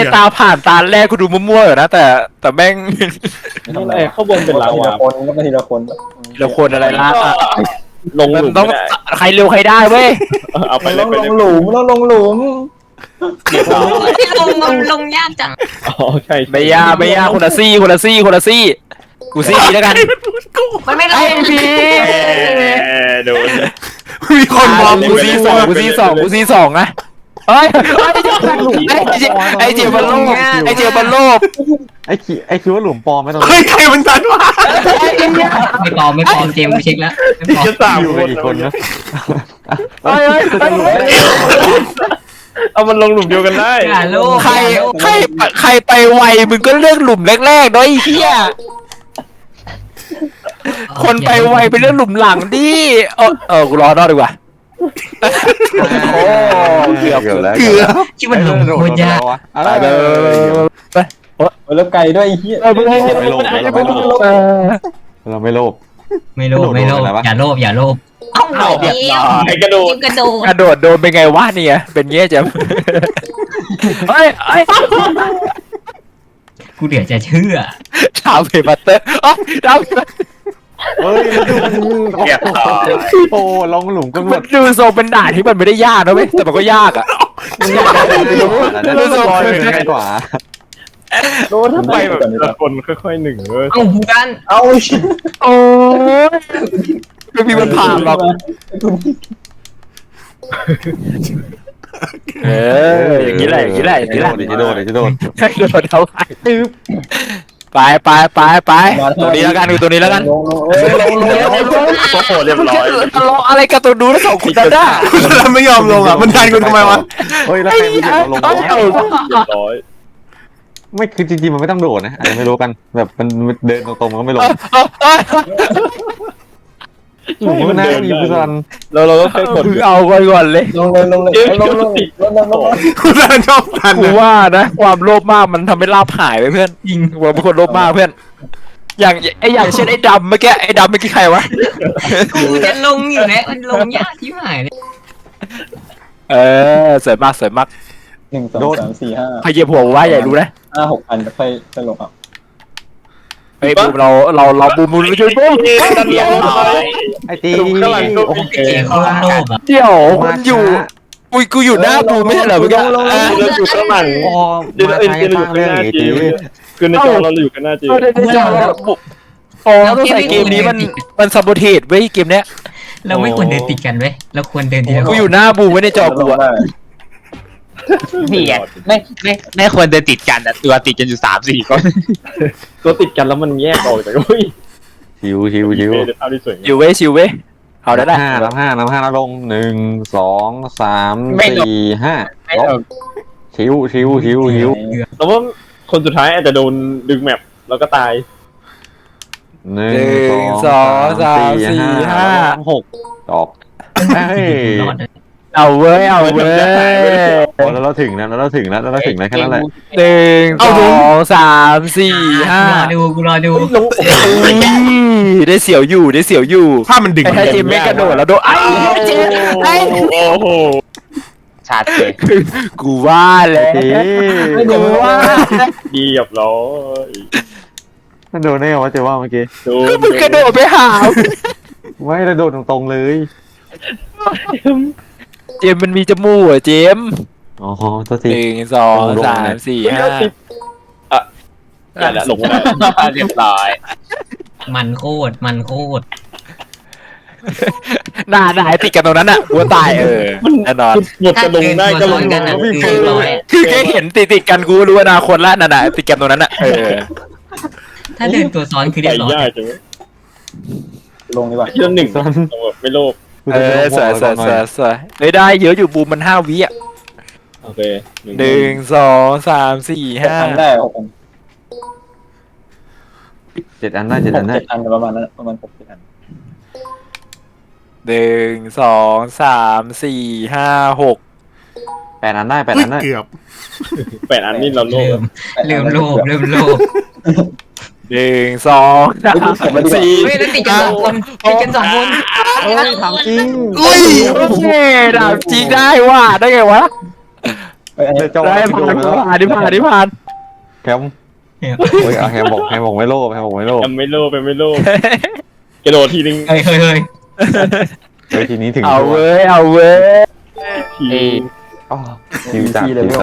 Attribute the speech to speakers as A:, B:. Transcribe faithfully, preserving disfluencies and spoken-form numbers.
A: ตาผ่านตาแรกกูดูมั่วๆอยู่นะแต่แต่แม่ง
B: นี่ไงข้างบนเป็นลา
C: ที
B: วา
C: ละคนก็ไม่ทีละคน
A: เราคนอะไรล่ะ
B: ลงหลุม
A: ต้อง
B: ไม่ได้
A: ใครเร็วใครได้เว้ย
B: เอาไปเล
C: ต้
B: ย
C: อง
B: ไป
C: ล
B: เล
C: ง
B: ย
C: หลุมต้องลงหลุม
B: เรียบร้อย
D: ลงลงลงยากจัง
B: อ๋อใช่
A: ไม่ยากไม่ยากคนละซี่คนละซี่คนละซี่กูซี่แล้วกัน
D: มันไม่ล
A: ไอ้
D: ง
A: พี่
B: โดน
E: มีคนมอง
A: กูซี่สองกูซี่สองกูซี่สองนะเฮ้ยไอ้เจไอ้เจมันโลภไอ้เจมันโลภ
F: ไอ้คิไอ้คิดว่าหลุมปลอมไม่ต้อง
E: เฮ้ยใครมันทันวะ
G: ไม่ปลอมไม่ปลอมเจมส์กูเช็คแล้วไม่ปลอม
B: จะสาม
F: อยู่
B: ค
F: กัน
B: น
F: กี่คนนะ
A: เฮ้ยเฮ้ยเฮ้ย
B: เอามันลงหลุมเดียวกันได้
G: อย่าโลภ
A: ใครใครใครไปไวมึงก็เลือกหลุมแรกๆด้วยไอ้เหี้ยคนไปไวไปเลือกหลุมหลังดิเออเออกูรอนอกดีกว่าโอ้เกือบ
F: เกือบแล้ว
E: เกือบ
G: ที่มันหลงโคตรยาก
A: ไปไปไป
C: แล้วไกลด้วยเฮีย
A: ไปไป
F: ไม่โลภเราไม่โลภเราไม่โลภ
G: ไม่โลภไม่โลภอย่าโลภอย่าโลภ
D: เอ้า
B: เอา
D: เดี
B: เรียบ
D: ยว
B: ร้อยกระโดด
D: จิ้มกระโดด
A: กระโดดโดนเป็นไงวะเนี่ยเป็นเงี้ยจ้ะเฮ้ยเฮ้ย
G: กูเดี๋ยวจะเชื่อ
A: ดาวเพย์บัตเตอร์อ๋อดาว
F: เฮ้ยแล้วดูมัน
B: เรียบร้อย
F: โอ้ลงหลุมก็หม
A: มัน
F: ด
A: ดูทรงเป็นด่านที่มันไม่ได้ยากนะเว้ยแต่มันก็ยากอ่ะ
F: นั่นน่าจะง่ายกว่า
B: โดนทำไมแบบแต่ละคนค่อยๆหนึ่งเว้ย
G: เอ้าพูกัน
C: เอา
A: โอ้ยไม่มีมันผ่านหรอกเอออย่างนี้แหละอย่างนี้แหละอย่างนี้แหละ
F: เดี๋ยวจะโดนเดี๋ยวจะโดน
A: ให้โดนเท่าไหร่ไปไปไปไปตัวนี้แล้วกันดูตัวนี้แล้วกัน
C: ลงลงเอ้ยลงลง
B: โอ้โหเรียบร้อย
A: ทะเลาะอะไรกับตัวดูแล้วสองคนนั้นน่ะ
E: แล้วไม่ยอมลงอ่ะมันทันกูทำไมวะ
F: เฮ้ยแล้วใครมันจะลง
A: เอ้ยเอา
B: เรียบร้อย
F: ไม่คือจริงๆมันไม่ต้องโดดนะอาจจะไม่รู้กันแบบมันเดินตรงๆมันก็ไม่ลงหลุมมันน่าจะมีพุซัน
B: เราเราก็แค่กด
A: คือเอาก่อนก่อนเลย
C: ลงเลยลงเลยลงลงลงลงลง
E: กูทันชอบทัน
A: กู
E: นะ
A: ว่านะความโลภมากมันทำให้ลาบหายไปเพื่อนยิงกูเป็นคนโลภมากเพื่อน อย่างไออย่างเช่นไอ้ดำเมื่อกี้ไอ้ดำเมื่อกี้ใครวะ
G: กูจะลงอยู่แล้วมันลงยากที่หายเลย
A: เออสวยมากสวยมาก
C: หนึ่งสองสามสี่ห้า
A: ใครเหยียบหัวว่าใหญ่รู้นะ
C: ห้าหกอันค่อยค่อยลงอ่ะ
A: ไอ้บูมเราเราเราบูมบูมช่วยบูม
B: เรียบร้อย
F: ไอ้ตี
B: ข้างหลังก็โอเค
G: เจมส์เขาโลภอ่ะ
A: เดี๋ยวคุณอยู่กูกูอยู่หน้าบูมไม่ใช่เหรอเมื่อกี้
B: เราอยู่ข้างหลัง
F: พอ
B: เดี๋ยว
F: มา
B: เอ็น
F: ทาง
B: เอ็น
F: ส
B: อยู่
F: ร้าง
B: ข้าง
F: เรื่อง
B: หน้า
F: อีก
B: จี
F: ที
B: คือในจอเราอยู่กันหน้าจี
A: เออในจอบุโอ้ต้องใส่เกมนี้มันมันซับโบเทสเว้ยเกมเนี้ย
G: เราไม่ควรเดินติดกันเว้ยเราควรเดินทีละค
A: กู
G: น
A: อยู่หน้าบูมไว้ในจอกูอะ
B: นี่ไง
H: ไม่ไม่ไม่ควรเดินติดกันแต่ตัวติดกันอยู่สามสี่คน
B: ตัวติดกันแล้วมันแยกออกจากอุ้ย
F: ชิวชิวชิว
B: ภาพที่สวย
A: อยู่เว้ยชิวเว้ยเอาได้ได้
F: ห้านับห้านับห้านับลงหนึ่งสองสามสี่ห้าลบชิวชิวชิวชิว
B: แล้วว่าคนสุดท้ายอาจจะโดนดึงแมปแล้วก็ตาย
F: หนึ่
A: หนึ่
F: ง
A: ง
F: ส
A: ส
F: อ
A: อง ง
F: สา
A: สาม ม
F: สี่
A: สี่
F: ห้า
A: ห้า
F: หกตอบเฮ้ย
G: รอดเลย
A: เอาเว้ยเอาเว้ย
F: พอแล้วเราถึงนะแล้วเราถึงแล้วแล้วเราถึงแล้วแค่นั้นแหละ
A: หนึ่งสองสามสี่ห้าร
G: อดูกูรอดู
A: ได้เสียวอยู่ได้เสียวอยู่
E: ภาพมันดึง
A: ไอ้ถ้าเจมไม่กระโดดแล้วโดนไอ้เจมไอ้
B: โอ้โห
H: ชัดเลย
A: กูว่าแล้ว
F: เอ๊ะ
A: กูว่า
B: เรียบร้อย
F: มันโดนได้ไงวะเจ๊ว่าเมื่อกี้
B: โด
A: ก็
B: น
A: มึงกระโดดไปหา
F: ไม่ได้โดนตรงๆเลย
A: เจมมันมีจมูกอ่ะเจม
F: อ๋อตัว
A: ห
F: ที
A: นึ่งสองสามสี่ห้า
B: นั่นแหละลงไม่ได้
H: เรียบร้อย
G: มันโคตรมันโคตร
A: หน้าหน้าติดกันตรงนั้นอ่ะกูตายเออแน่นอน
B: หมดจะลงได้ก็ลง
G: กันอ่ะคือร้อย
A: คือแค่เห็นติดติดกันกูรู้อนาคตแล้วน่ะนะติดกันตรงนั้นอ่ะเออ
G: ถ้าเดินตัวซ้อนคือเรี
B: ใส่
G: ยบร้อย
B: ยากจัง
C: ลงดีกว่า
B: ที่ละหนึ่งไม่โลภ
A: เออสวยสวยสวยสวยเฮ้ยได้เยอะอยู่บูมมันห้าวิอ่ะ
B: โอเค
A: หนึ่งสองสามสี่ห้า
C: อันได้หกอัน
F: เจ็ดอันได้เจ็ด
C: ห
F: อั
C: ก
F: นได้
C: เจ็ดอันประมาณนั้นประมาณหกเจ็ดอัน
A: หนึ่งสองสามสี่ห้าหก
F: แปดอันได้แปด
E: อุ๊
F: อั
E: ย
F: นได้
E: เกือบ
B: แปดอันนี่เราโล
G: เริ่
B: ภ
G: มเริ่มโลภเริ่มโลภ
A: หนึ่งสองสามสี่
G: เฮ้ยแล้วติดกันสองคนติดกันสองคน
F: เฮ้ยถามจริง
E: อุ้ย
A: โอเคดาบจริงได้ว่ะได้ไงวะ
C: เออ้ยอันนี้
F: เจ้า
A: ได้ผ่านผ่านที่ผ่านที่ผ่าน
F: แคมโอ้ยเอาแคมบอกแคมบอกไม่โลภแคมบอกไม่โลภ
B: แอมไม่โลภแอมไม่โลภกระโดดทีนึง
G: เฮ้ยเฮ้ยเฮ้ย
F: เฮ้ยทีนี้ถึง
A: เอา
F: ตัว
A: เว้ยเอาเว้ย
B: ที
H: เอ้ย
F: อ๋อคิวจากคิว